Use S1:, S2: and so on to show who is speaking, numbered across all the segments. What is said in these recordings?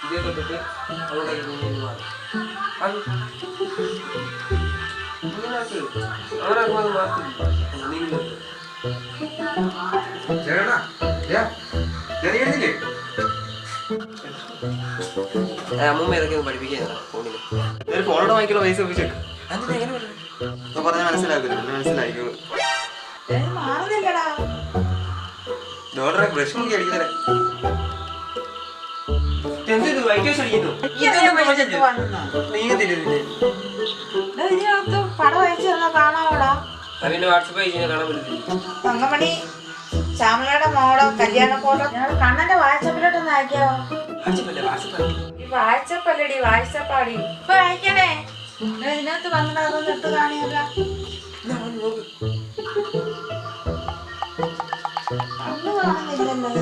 S1: ഇതേ തൊട്ടിട്ട് അങ്ങോട്ടേക്ക് നീങ്ങി മാറും. അത് അങ്ങനാക്കുമ്പോൾ അത് മാറ്റില്ല നീങ്ങി. അമ്മൂമ്മ ഇതൊക്കെ ഒന്ന് പഠിപ്പിക്കാൻ ഫോണിൽ ഫോണോട് വാങ്ങിക്കുന്ന പൈസ ഒപ്പിച്ചേക്ക്. അതിന് എങ്ങനെ പറഞ്ഞു പറഞ്ഞാൽ മനസ്സിലാക്കില്ല, പിന്നെ മനസ്സിലായിക്കോളൂ. ബ്രഷ് നോക്കി അടിക്കുന്നേ പിന്നെ വാട്സപ്പ് അയച്ചാൽ കാണാൻ പറ്റില്ല.
S2: ശ്യാമളയുടെ മോളോ കല്യാണ ഫോട്ടോ ഞങ്ങൾ കണ്ണന്റെ വാട്സപ്പിലോട്ടൊന്ന് അയക്കാവോ? വാട്സപ്പല്ലടി വാട്സപ്പാടി ഇപ്പൊ അയക്കണേ. ഇതിനകത്ത് വന്നിട്ട് അതൊന്നും എടുത്ത് കാണിയല്ല. കണ്ണു കാണുന്നില്ലല്ലോ.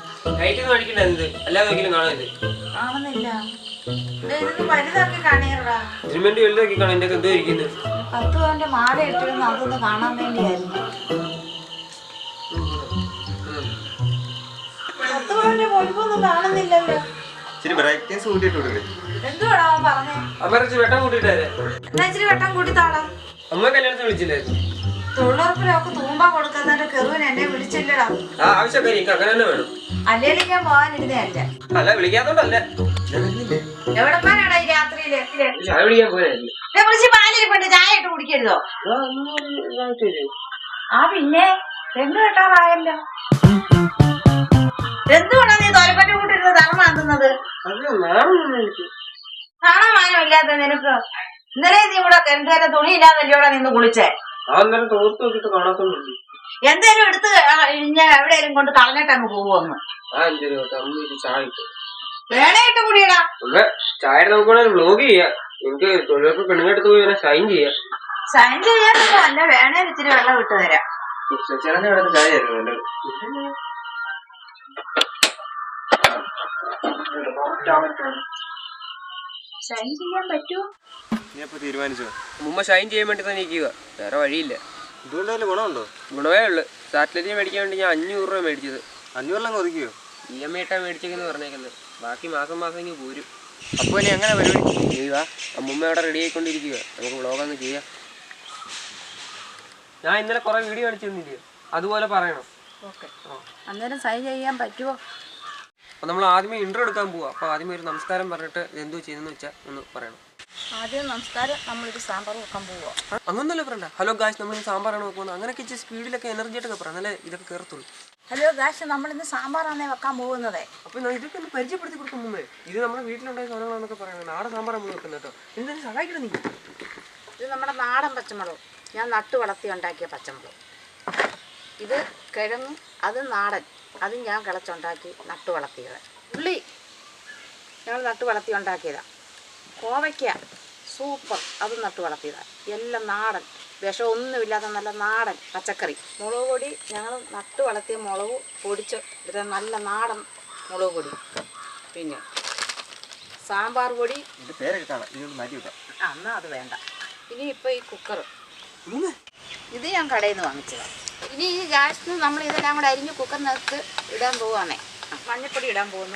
S2: കാണുന്നില്ല. ഇതൊന്ന് വലുതാക്കി കാണിയടാ. 10 പവന്റെ മാല ഇട്ടിരുന്നു, അതൊന്ന് കാണാൻ വേണ്ടിയായിരുന്നു. 10 പവന്റെ പൊലിപ്പൊന്നും കാണുന്നില്ലല്ലോ. എന്തുവാടാ അവൻ പറഞ്ഞേ? എന്നാ ഇച്ചിരി വെട്ടം കൂട്ടിത്താടാ. തൊഴിലുറപ്പിലൊക്കെ തൂമ്പ കൊടുക്കുന്നതിന്റെ കെറുവിന് എന്നെ വിളിച്ചില്ലടാ. അല്ലേലും ഞാൻ പോകാനിരുന്നേ അല്ല. എവിടെപ്പാനാടാ ഈ രാത്രിയില്? വിളിച്ച് പാലിരിപ്പുണ്ട്, ചായ ഇട്ട് കുടിക്കരുതോ? ആ പിന്നെ പെണ്ണ് കെട്ടാറായല്ലോ. എന്തുകൊണ്ടാ നീ തോലപ്പറ്റ കൂട്ടിരുന്ന് തറ മാന്തുന്നത്? കാണാൻ മാനം ഇല്ലാത്ത നിനക്ക്. ഇന്നലെ നീ ഇവിടെ കിണറ്റുകാരെ തുണിയില്ലാന്നല്ലോടെ നിന്ന് കുളിച്ചേ. എന്തേലും എടുത്ത് ഞാൻ എവിടെയെങ്കിലും കൊണ്ട് കളഞ്ഞിട്ട് അങ്ങ് പോവുമെന്ന് വേണയിട്ട് കൂടിയടാ.
S1: ചായ വ്ലോഗ് ചെയ്യാം. എനിക്ക് തൊഴിലുറപ്പ് പെണ്ണുങ്ങെടുത്ത് പോയി ഷൈൻ ചെയ്യാം.
S2: ഷൈൻ ചെയ്യാനൊന്നും അല്ല, വേണേൽ ഇച്ചിരി വെള്ളം ഇട്ട് തരാം. ഷൈൻ ചെയ്യാൻ പറ്റുമോ?
S1: തീരുമാനിച്ചോ? മുമ്പ് ഷൈൻ ചെയ്യാൻ വേണ്ടി തന്നെ ഇരിക്കുക, വേറെ വഴിയില്ല. ഇതുകൊണ്ടല്ലേ ഗുണമുണ്ടോ? ഗുണമേ ഉള്ളു. സാറ്റലൈറ്റ് മേടിക്കാൻ വേണ്ടി ഞാൻ 500 രൂപ മേടിച്ചത്. 500 ഒതുക്കിയോ? EMI ഇട്ടാ മേടിച്ചേക്കെന്ന് പറഞ്ഞേക്കുന്നത്. ബാക്കി മാസം മാസം ഇങ്ങ് പോരും. അപ്പോൾ ഇനി എങ്ങനെ പരിപാടി ചെയ്യുക? അമ്മൂമ്മ അവിടെ റെഡി ആയിക്കൊണ്ടിരിക്കുക. നമുക്ക് വ്ളോഗൊന്ന് ചെയ്യാം. ഞാൻ ഇന്നലെ കുറെ വീഡിയോ അടിച്ചു തന്നില്ലേ, അതുപോലെ പറയണം.
S2: അന്നേരം സൈൻ ചെയ്യാൻ പറ്റുമോ?
S1: അപ്പോൾ നമ്മൾ ആദ്യമേ ഇൻട്രോ എടുക്കാൻ പോവാം. അപ്പോൾ ആദ്യമേ ഒരു നമസ്കാരം പറഞ്ഞിട്ട് എന്തോ ചെയ്യുന്നതെന്ന് വെച്ചാൽ ഒന്ന് പറയണം.
S2: ആദ്യം നമസ്കാരം, നമ്മളൊരു സാമ്പാർ വെക്കാൻ പോവാ.
S1: അങ്ങനൊന്നല്ലേ പറയണ്ട. ഹലോ ഗായ്സ്, നമ്മളിന്ന് സാമ്പാറാണ് വെക്കുന്നത്. അങ്ങനെയൊക്കെ ഇച്ചിരി സ്പീഡിലൊക്കെ എനർജി ആയിട്ടൊക്കെ പറയാം, എന്നാലേ ഇതൊക്കെ കയറത്തുള്ളൂ.
S2: ഹലോ ഗായ്സ്, നമ്മളിന്ന് സാമ്പാറാണേ വെക്കാൻ പോകുന്നത്.
S1: അപ്പോൾ ഇതൊക്കെ ഒന്ന് പരിചയപ്പെടുത്തി കൊടുക്കും മുമ്പേ. ഇത് നമ്മുടെ വീട്ടിലുണ്ടായ സാധനങ്ങളാണെന്നൊക്കെ പറയുന്നത്. നാടൻ സാമ്പാർ നമ്മൾ വെക്കുന്നത് കേട്ടോ. എന്തായാലും സഹായിക്കണം നീ.
S2: ഇത് നമ്മുടെ നാടൻ പച്ചമുളക്, ഞാൻ നട്ടു വളർത്തി ഉണ്ടാക്കിയ പച്ചമുളക്. ഇത് കിഴങ്ങും, അത് നാടൻ, അത് ഞാൻ കിളച്ചുണ്ടാക്കി നട്ടു വളർത്തിയത്. ഉള്ളി ഞങ്ങൾ നട്ടു വളർത്തി ഉണ്ടാക്കിയതാണ്. കോവയ്ക്ക സൂപ്പർ, അത് നട്ടു വളർത്തിയതാണ്. എല്ലാം നാടൻ, വിഷമൊന്നുമില്ലാത്ത നല്ല നാടൻ പച്ചക്കറി. മുളക് പൊടി ഞങ്ങൾ നട്ടു വളർത്തിയ മുളക് പൊടിച്ച് എടുത്ത നല്ല നാടൻ മുളക് പൊടി. പിന്നെ സാമ്പാർ പൊടി. എന്നാൽ അത് വേണ്ട. ഇനി ഇപ്പോൾ ഈ കുക്കർ, ഇത് ഞാൻ കടയിൽ നിന്ന് വാങ്ങിച്ചതാണ്. ഇനി ഈ ഗ്യാസിന് നമ്മൾ ഇതെല്ലാം കൂടെ അരിഞ്ഞ് കുക്കറിനകത്ത് ഇടാൻ പോവുകയാണേ. മഞ്ഞൾപ്പൊടി ഇടാൻ പോകുന്നു,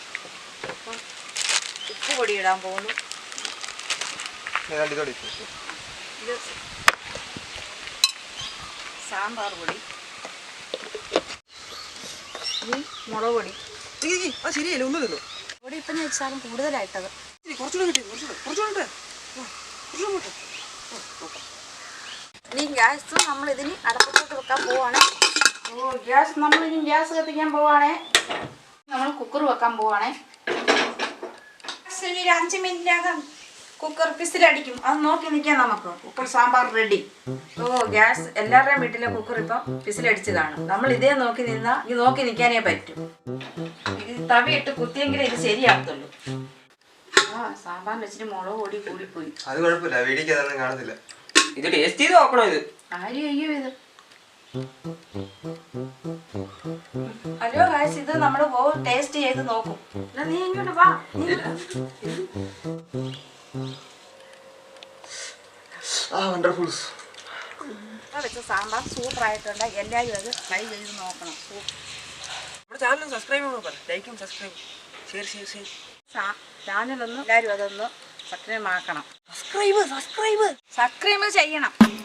S2: ഉപ്പ് പൊടി ഇടാൻ പോകുന്നു, ഇത് സാമ്പാർ പൊടി, ഇനി മുളക് പൊടി.
S1: ശരിയല്ലേ, ഒന്ന് തിന്നു
S2: പൊടി ഇപ്പം ഞാൻ വെച്ചാലും കൂടുതലായിട്ടത്. ഇനി ഗ്യാസ് നമ്മളിതിന് അടപ്പത്തോട്ട് വെക്കാൻ പോവാണേ. നമ്മളിനി ഗ്യാസ് കത്തിക്കാൻ പോവാണേ. നമ്മൾ കുക്കർ വെക്കാൻ പോവാണേ. ഒരു 5 മിനിറ്റിനകം കുക്കർ വിസിലടിക്കും, അത് നോക്കി നിൽക്കാം നമുക്ക്. Cooker sambar ready. ഗ്യാസ് എല്ലാവരുടെയും വീട്ടിലെ കുക്കർ ഇപ്പം വിസിലടിച്ചതാണ്. നമ്മൾ ഇതേ നോക്കി നിന്നാൽ ഇത് നോക്കി നിൽക്കാനേ പറ്റും. ഇത് തവിയിട്ട് കുത്തിയെങ്കിലേ ഇത് ശരിയാകത്തുള്ളൂ. സാമ്പാറിന് വെച്ചിട്ട് മുളക് പൊടി കൂടിപ്പോയി.
S1: അത് കുഴപ്പമില്ല, വീടിക്ക് അതൊന്നും കാണത്തില്ല. ഇത് ടേസ്റ്റ് ചെയ്ത് നോക്കണോ? ഇത്
S2: ആരും അയ്യോ ഇത്. ഹലോ ഗായ്സ്, ഇത് നമ്മൾ ടേസ്റ്റ് ചെയ്ത് നോക്കും. നീ ഇങ്ങോട്ട് വാ. വെച്ച സാമ്പാർ സൂപ്പർ ആയിട്ടുണ്ട്. എല്ലാവരും അത് ട്രൈ ചെയ്ത് നോക്കണം.
S1: നമ്മുടെ ചാനൽ സബ്സ്ക്രൈബ് ചെയ്യണം, ലൈക്കും സബ്സ്ക്രൈബ് ഷെയർ.
S2: ചാനലൊന്ന് എല്ലാവരും അതൊന്ന് സബ്സ്ക്രൈബ് ആക്കണം.
S3: സബ്സ്ക്രൈബ് ചെയ്യണം.